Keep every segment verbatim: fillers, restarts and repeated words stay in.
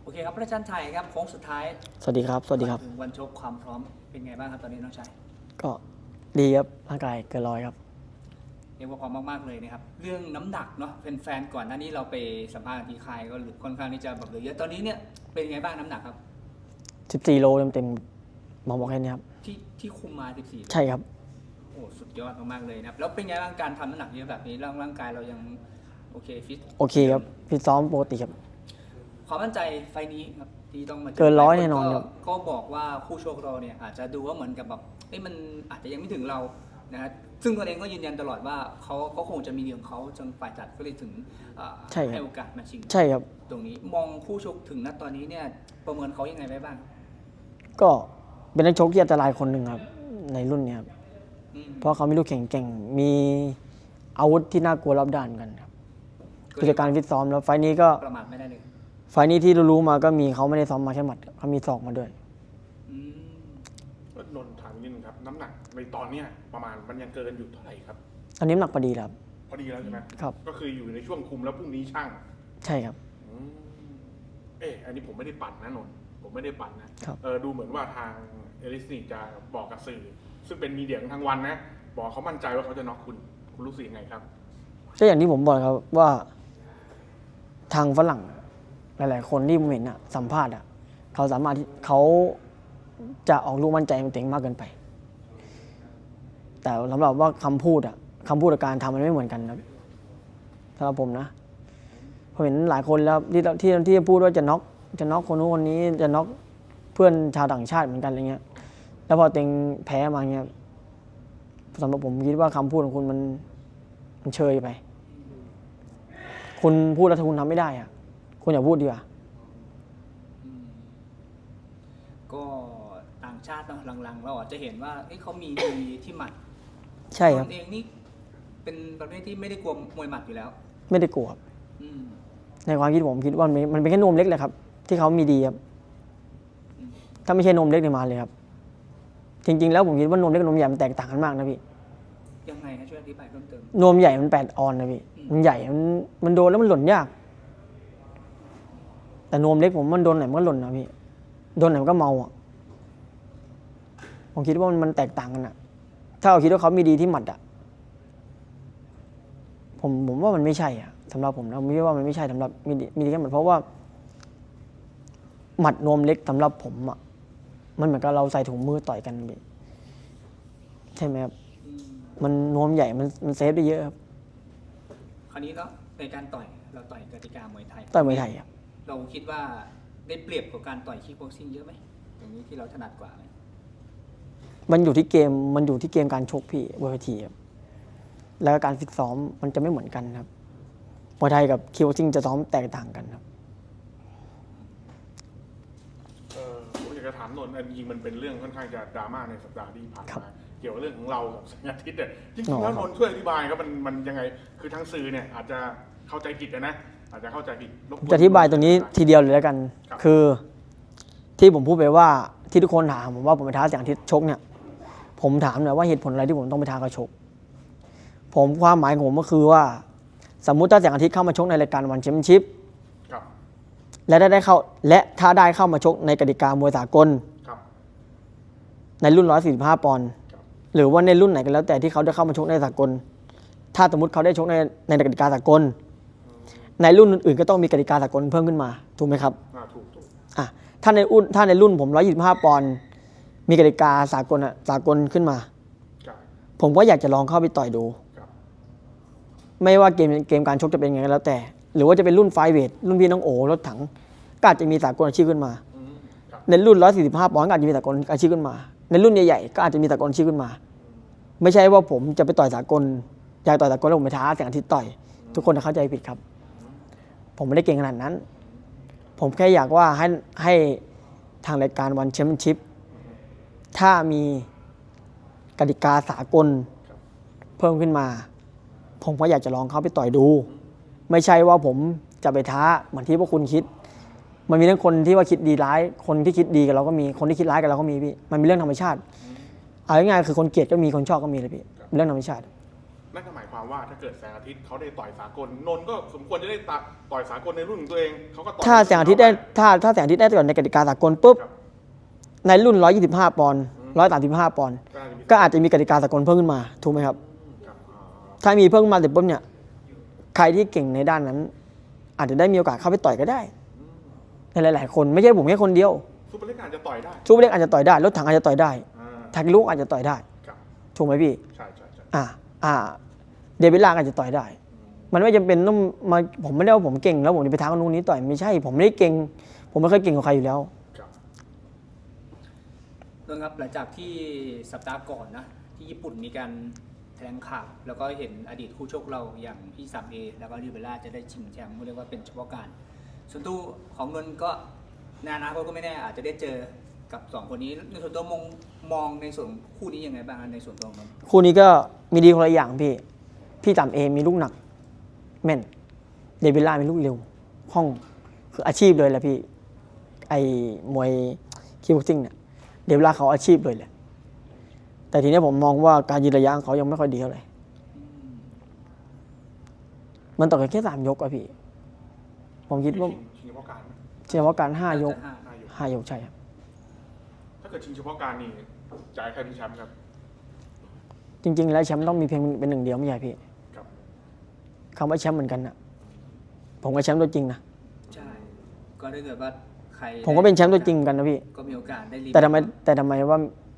เคครับพระอาจารย์ไทยครับโค้งสุดท้ายสวัสดีครับสวัสดีครับถึงวันชกความพร้อมเป็นไงบ้างครับตอนนี้น้องชายก็ดีครับร่างกายเกินร้อยครับเรียกว่าพร้อมมากๆเลยนะครับเรื่องน้ำหนักเนาะแฟนๆก่อนหน้านี้เราไปสัมภาษณ์ที่ค่ายก็ค่อนข้างที่จะแบบเหลือเยอะตอนนี้เนี่ยเป็นไงบ้างน้ำหนักครับสิบสี่โลเต็มๆหมอบอกแค่นี้ครับที่ที่คุมมาสิบสี่ใช่ครับโอ้สุดยอดมากๆเลยนะครับแล้วเป็นไงบ้างการทำน้ำหนักเยอะแบบนี้ร่างร่างกายเรายังโอเคฟิตโอเคครับฟิตซ้อมปกติครับความมั่นใจไฟนี้ครับที่ต้องมาเกินร้อยแน่นอนครับก็บอกว่าคู่โชคเราเนี่ยอาจจะดูว่าเหมือนกับแบบเอ้ยมันอาจจะยังไม่ถึงเรานะฮะซึ่งตัวเองก็ยืนยันตลอดว่าเขาเขาคงจะมีดีของเขาจนฝ่ายจัดก็เลยถึงให้โอกาสมาชิงใช่ครับตรงนี้มองคู่ชกถึงณตอนนี้เนี่ยประเมินเขายังไงไว้บ้างก็เป็นนักชกที่อันตรายคนหนึ่งครับในรุ่นนี้ครับเพราะเขามีลูกแข็งแกร่งมีอาวุธที่น่ากลัวรอบด้านกันครับคือจากการฟิตซ้อมแล้วไฟนี้ก็ประมาทไม่ได้เลยไฟนี้ที่รู้ๆมาก็มีเขาไม่ได้ซ้อมมาแค่หมัดเขามีศอกมาด้วยนนท์ถามนิดนึงครับน้ำหนักในตอนเนี้ยประมาณมันยังเกินอยู่เท่าไหร่ครับตอนนี้น้ำหนักพอดีแล้วครับพอดีแล้วใช่ไหมครับก็คืออยู่ในช่วงคุมแล้วพรุ่งนี้ช่างใช่ครับเอออันนี้ผมไม่ได้ปั่นนะนนท์ผมไม่ได้ปั่นนะเออดูเหมือนว่าทางเอลิสนี่จะบอกกับสื่อซึ่งเป็นมีเดียทั้งวันนะบอกเขามั่นใจว่าเขาจะน็อกคุณคุณรู้สึกยังไงครับก็อย่างที่ผมบอกครับว่าทางฝรั่งหลายๆคนที่ผมเห็นอะสัมภาษณ์อะเขาสามารถเขาจะออกลูกมั่นใจมันเต็งมากเกินไปแต่สำหรับว่าคำพูดอะคำพูดกับการทำมันไม่เหมือนกันครับสำหรับผมนะผมเห็นหลายคนแล้วที่ที่ที่พูดว่าจะน็อกจะน็อกคนนู้นคนนี้จะน็อกเพื่อนชาวต่างชาติเหมือนกันอะไรเงี้ยแล้วพอเต็งแพ้มาเงี้ยสำหรับผมคิดว่าคำพูดของคุณมันมันเชยไปคุณพูดแล้วถ้าคุณทำไม่ได้อะคุณอย่าพูดดีกว่าก็ต่างชาติเนาะหลังๆเราอาจจะเห็นว่าเขามีดีที่หมัดใช่ครับเองนี่เป็นประเภทที่ไม่ได้กลัวมวยหมัดอยู่แล้วไม่ได้กลัวในความคิดผมคิดว่ามันเป็นแค่นมเล็กเลยครับที่เขามีดีครับถ้าไม่ใช่นมเล็กเนี่ยมาเลยครับจริงๆแล้วผมคิดว่านมเล็กกับนมใหญ่มันแตกต่างกันมากนะพี่ยังไงฮะช่วยอธิบายเพิ่มเติมนมใหญ่มันแปดออนนะพี่มันใหญ่มันมันโดนแล้วมันหล่นยากแต่นมเล็กผมมันโดนไหนมันก็หล่นนะพี่โดนไหนมันก็เมาอ่ะผมคิดว่ามันมันแตกต่างกันอ่ะถ้าเราคิดว่าเขามีดีที่หมัดอ่ะผมผมว่ามันไม่ใช่อ่ะสำหรับผมนะผมคิดว่ามันไม่ใช่สำหรับมีดีมีดีแค่หมัดเพราะว่าหมัดนมเล็กสำหรับผมอ่ะมันเหมือนกับเราใส่ถุงมือต่อยกันพี่ใช่ไหมครับมันนวมใหญ่มันมันเซฟได้เยอะครับคราวนี้ก็ในการต่อยเราต่อยกติกามวยไทยต่อยมวยไทยครับเราคิดว่าได้เปรียบกับการต่อยคิกบ็อกซิ่งเยอะไหมอย่างนี้ที่เราถนัดกว่าไหมมันอยู่ที่เกมมันอยู่ที่เกมการชกพี่บนเวทีครับแล้วการฟิตซ้อมมันจะไม่เหมือนกันครับมวยไทยกับคิกบ็อกซิ่งจะซ้อมแตกต่างกันครับเออผมอยากจะถามนนท์อันจริงมันเป็นเรื่องค่อนข้างจะดราม่าในสัปดาห์ที่ผ่านมาเกี่ยวกับเรื่องของเรากับสัญญาทิตย์เนี่ยจริงๆแล้วนนท์ช่วยอธิบายครับมันมันยังไงคือทางสื่อเนี่ยอาจจะเข้าใจผิดนะอาจจะเข้าใจผิดจะอธิบายตรงนี้ทีเดียวเลยแล้วกันคือที่ผมพูดไปว่าที่ทุกคนถามผมว่าผมไปท้าแสงอาทิตย์ชกเนี่ยผมถามหน่อยว่าเหตุผลอะไรที่ผมต้องไปท้าเขาชกผมความหมายของผมก็คือว่าสมมุติถ้าแสงอาทิตย์เข้ามาชกในรายการวันแชมเปี้ยนชิพและได้ได้เข้าและถ้าได้เข้ามาชกในกติกามวยสากลในรุ่นหนึ่งร้อยสี่สิบห้าปอนด์หรือว่าในรุ่นไหนก็แล้วแต่ที่เขาได้เข้ามาชกในสากลถ้าสมมติเขาได้ชกในในกติกาสากลในรุ่นอื่นๆก็ต้องมีกติกาสากลเพิ่มขึ้นมาถูกไหมครับถูกถูกอ่ะถ้าในรุ่นถ้าในรุ่นผมหนึ่งร้อยยี่สิบห้าปอนด์มีกติกาสากลอ่ะสากลขึ้นมาผมก็อยากจะลองเข้าไปต่อยดูไม่ว่าเกมเกมการชกจะเป็นยังไงก็แล้วแต่หรือว่าจะเป็นรุ่นไฟเวทรุ่นพี่น้องโอรถถังก็อาจจะมีสากลอาชีพขึ้นมาในรุ่นหนึ่งร้อยสี่สิบห้าปอนด์ก็อาจจะมีสากลอาชีพขึ้นมาในรุ่นใหญ่ๆก็อาจจะมีสากลอาชีพขึ้นมาไม่ใช่ว่าผมจะไปต่อยสากลอยากต่อยสากลแล้วผมไปท้าแสงอาทิตย์ต่อยทุกคนจะเข้าใจผิดครับผมไม่ได้เก่งขนาดนั้นผมแค่อยากว่าให้ให้ทางรายการวันแชมเปี้ยนชิพถ้ามีกติกาสากลเพิ่มขึ้นมาผมก็อยากจะลองเข้าไปต่อยดูไม่ใช่ว่าผมจะไปท้าเหมือนที่พวกคุณคิดมันมีทั้งคนที่ว่าคิดดีร้ายคนที่คิดดีกับเราก็มีคนที่คิดร้ายกับเราก็มีพี่มันเป็นเรื่องธรรมชาติเอาง่ายๆคือคนเกลียดก็มีคนชอบก็มีเลยพี่เป็นเรื่องธรรมชาตินั่นก็หมายความว่าถ้าเกิดแสงอาทิตย์เขาได้ต่อยสากลนนท์ก็สมควรจะได้ต่อยสากลในรุ่นของตัวเองเขาก็ต่อยถ้าแสงอาทิตย์ได้ถ้าถ้าแสงอาทิตย์ได้ต่อยในกติกาสากลปุ๊บครับในรุ่นหนึ่งร้อยยี่สิบห้าปอนด์หนึ่งร้อยสามสิบห้าปอนด์ก็น่าจะมีก็อาจจะมีกติกาสากลเพิ่มขึ้นมาถูกไหมครับครับอ่าถ้ามีเพิ่มขึ้นมาเสร็จปุ๊บเนี่ยใครที่เก่งในด้านนั้น อาจจะได้มีโอกาสเข้าไปต่อยก็ได้ในหลาย ๆ คนไม่ใช่ผมแค่คนเดียวซูเปอร์เล็กอาจจะต่อยได้ซูเปอร์เล็กอาจจะต่อยได้รถถังอาจจะต่อยได้อ่าทากิลุอาจจะต่อยได้ครับถูกไหมพี่ใช่ใช่ใช่อ่าอ่าเดวิดลาอาจจะต่อยได้ มันไม่จำเป็นต้องมาผมไม่ได้ว่าผมเก่งแล้วผมจะไปท้าคนนู้นนี้ต่อยไม่ใช่ ผมไม่ได้เก่ง ผมไม่เคยเก่งกว่าใครอยู่แล้วครับนนท์ครับหลังจากที่สัปดาห์ก่อนนะที่ญี่ปุ่นมีการแถลงข่าวแล้วก็เห็นอดีตคู่ชกเราอย่างพี่สามเอแล้วก็ริเบล่าจะได้ชิงแชมป์เรียกว่าเป็นเฉพาะการ ส่วนตัวของนนท์ก็ในอนาคตก็ไม่แน่อาจจะได้เจอกับสองคนนี้ในส่วนตัวมองมองในส่วนคู่นี้ยังไงบ้างในส่วนตัวของนนท์คู่นี้ก็มีดีคนละอย่างพี่ พี่จำเอมีลูกหนักแม่น เดวิดล่ามีลูกเร็วห้องคืออาชีพเลยแหละพี่ ไอ้มวยคิกบ็อกซิ่งเนี่ยเดวิดล่าเขาอาชีพเลยแหละ แต่ทีนี้ผมมองว่าการยืนระยะของเขายังไม่ค่อยดีเท่าไหร่ มันต่อกันแค่สามยกอะพี่ ผมคิดว่าชิงเฉพาะการไหมเฉพาะการห้ายกห้าห้ายกห้ายกใช่ครับถ้าเกิดชิงเฉพาะการนี่จ่ายใครเป็นแชมป์ครับจริง ๆ แล้วแชมป์ต้องมีเพียงเป็นหนึ่งเดียวไม่ใช่พี่ครับคำว่าแชมป์เหมือนกันนะผมก็แชมป์ตัวจริงนะใช่ก็ถ้าเกิดว่าใครผมก็เป็นแชมป์ตัวจริงเหมือนกันนะพี่ก็มีโอกาสได้รีแต่ทำไมแต่ทำไมว่า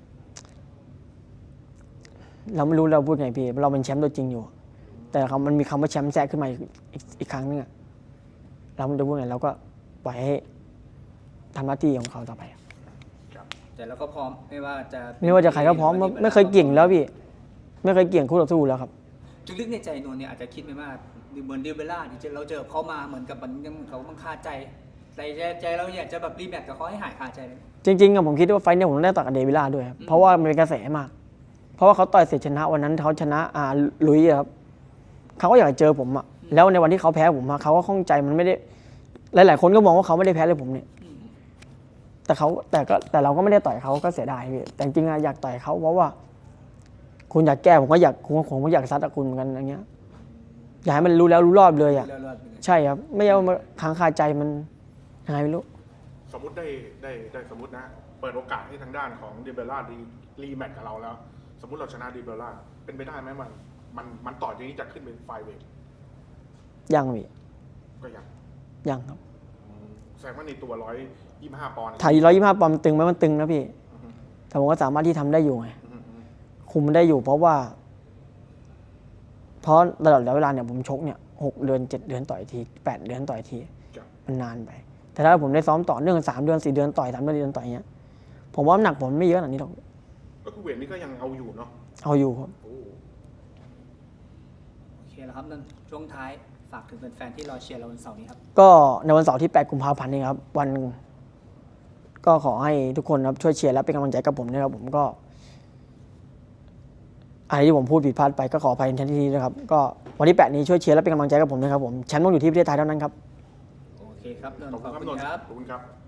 เราไม่รู้เราพูดไงพี่ เราเป็นแชมป์ตัวจริงอยู่ แต่คำมันมีคำว่าแชมป์แทรกขึ้นมาอีกอีกอีกครั้งนึงอะเราไม่รู้พูดไงเราก็ปล่อยให้ทำหน้าที่ของเขาต่อไปครับแต่เราก็พร้อมไม่ว่าจะไม่ว่าจะใครก็พร้อมไม่เคยเกี่ยงแล้วพี่ ไม่เคยเกี่ยงคู่ต่อสู้แล้วครับลึกๆในใจนนท์เนี่ยอาจจะคิดไม่มากเหมือนเดวิดล่าที่เราเจอเขามาเหมือนกับมันยังเขาบังคาใจใจใจเราอยากจะแบบรีแมตช์กับเขาให้หายคาใจเลยจริงๆอะผมคิดว่าไฟท์เนี่ยผมได้ต่อยกับเดวิลล่าด้วยครับเพราะว่ามันเป็นกระแสมาก เพราะว่าเขาต่อยเสร็จชนะวันนั้นเขาชนะอ่าลุยอะครับเขาก็อยากจะเจอผมอะแล้วในวันที่เขาแพ้ผมอะเขาก็ข้องใจมันไม่ได้หลายๆคนก็มองว่าเขาไม่ได้แพ้เลยผมเนี่ยแต่เขาแต่ก็แต่เราก็ไม่ได้ต่อยเขาก็เสียดายพี่แต่จริงๆอะอยากต่อยเขาเพราะว่า คุณอยากแก้ผมก็อยากผมผมก็อยากซัดกับคุณเหมือนกันอย่างเงี้ยอยากให้มันรู้แล้วรู้รอบเลยอะเลือดๆไปเลยใช่ครับไม่เอามาค้างคาใจมันยังไงไม่รู้สมมติได้ได้ได้สมมตินะ เปิดโอกาสให้ทางด้านของดิเบล่ารีรีแมตช์กับเราแล้ว สมมติเราชนะดิเบล่าเป็นไปได้ไหมมันมันมันต่อจากนี้จะขึ้นเป็นไฟเวทยังพี่ก็ยังยังครับแสดงว่าในตัวร้อยยี่สิบห้าปอนด์ถ่ายร้อยยี่สิบห้าปอนด์มันตึงไหมมันตึงนะพี่อือฮึแต่ผมก็สามารถที่ทำได้อยู่ไงอือฮึอือฮึคุมมันได้อยู่เพราะว่า เพราะตลอดระยะเวลาเนี่ยผมชกเนี่ยหกเดือนเจ็ดเดือนต่อยทีแปดเดือนต่อยทีครับมันนานไป แต่ถ้าผมได้ซ้อมต่อเนื่องสามเดือนสี่เดือนต่อยสามเดือนสี่เดือนต่อยเงี้ยผมว่าน้ำหนักผมไม่เยอะขนาดนี้หรอกก็คือเวทนี้ก็ยังเอาอยู่เนาะเอาอยู่ครับโอ้โอเคแล้วครับนั่นช่วงท้ายฝากถึงแฟนๆที่รอเชียร์เราวันเสาร์นี้ครับก็ในวันเสาร์ที่แปดกุมภาพันธ์นี้ครับ วัน ก็ขอให้ทุกคนครับช่วยเชียร์และเป็นกำลังใจกับผมนะครับผมก็อะไรที่ผมพูดผิดพลาดไปก็ขออภัยในทันทีนะครับก็วันที่แปดนี้ช่วยเชียร์และเป็นกำลังใจกับผมนะครับผมแชมป์ต้องอยู่ที่ประเทศไทยเท่านั้นครับโอเคครับนนขอบท์คุขณอบครับนนท์คุณครับขอบคุณครับ